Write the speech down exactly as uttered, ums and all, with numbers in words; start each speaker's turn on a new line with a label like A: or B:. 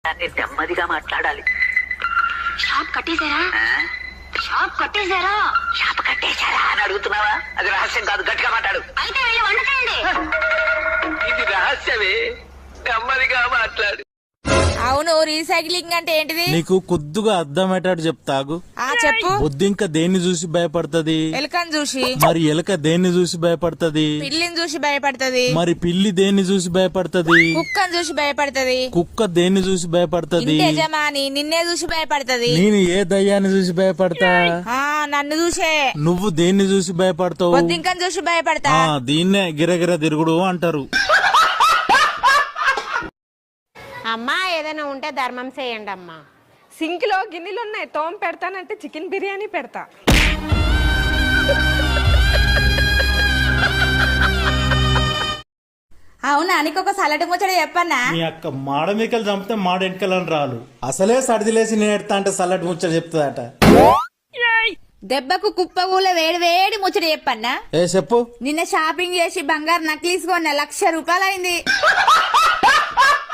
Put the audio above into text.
A: నెమ్మదిగా మాట్లాడాలి.
B: షాప్ కట్టేశారా? షాప్ కట్టేశారా?
A: షాప్ కట్టేశారా అని అడుగుతున్నావా? అది రహస్యం కాదు, గట్టిగా మాట్లాడు.
B: అయితే వెళ్ళి వంట చేయండి.
A: ఇది రహస్యమే, నెమ్మదిగా మాట్లాడు.
C: అవును, రీసైక్లింగ్ అంటే ఏంటిది?
D: నీకు కొద్దిగా అర్థమయ్యేటట్టు చెప్తాగు.
C: ఆ చెప్పు.
D: బొద్దింక దేన్ని చూసి భయపడుతుంది?
C: ఎలుకని చూసి.
D: మరి ఎలుక దేన్ని చూసి భయపడుతుంది?
C: పిల్లిని చూసి భయపడుతుంది.
D: మరి పిల్లి దేన్ని చూసి భయపడుతుంది?
C: కుక్కని చూసి భయపడుతుంది.
D: కుక్క దేన్ని చూసి భయపడుతుంది?
C: యజమాని నిన్నే చూసి భయపడుతుంది.
D: నేను ఏ దయ్యాన్ని చూసి భయపడతా?
C: ఆ నన్ను చూసే.
D: నువ్వు దేన్ని చూసి భయపడతావు?
C: బొద్దింకని చూసి భయపడతా.
D: ఆ దీన్నే గిరగిర తిరుగుడు అంటారు.
E: అమ్మా ఏదైనా ఉంటే ధర్మం చేయండి అమ్మా.
F: సింక్ లో గిన్నెలు ఉన్నాయి, తోమ పెడతానంటే చికెన్ బిర్యానీ పెడతా.
C: అవునా, నీకొక సలటి ముచ్చట చెప్పన్నా?
D: మీ అక్క మాడ మీకలు చంపితే మాడ వెనకలని రాలు. అసలే సడిదిలేసి నేను ఎడతా అంటే సల్లటి ముచ్చట చెప్తుందట.
C: దెబ్బకు కుప్ప కూల వేడి వేడి ముచ్చట చెప్పన్నా?
D: ఏ చెప్పు.
C: నిన్న షాపింగ్ చేసి బంగారు నక్లీస్ కొన్న లక్ష రూపాయలు అయింది.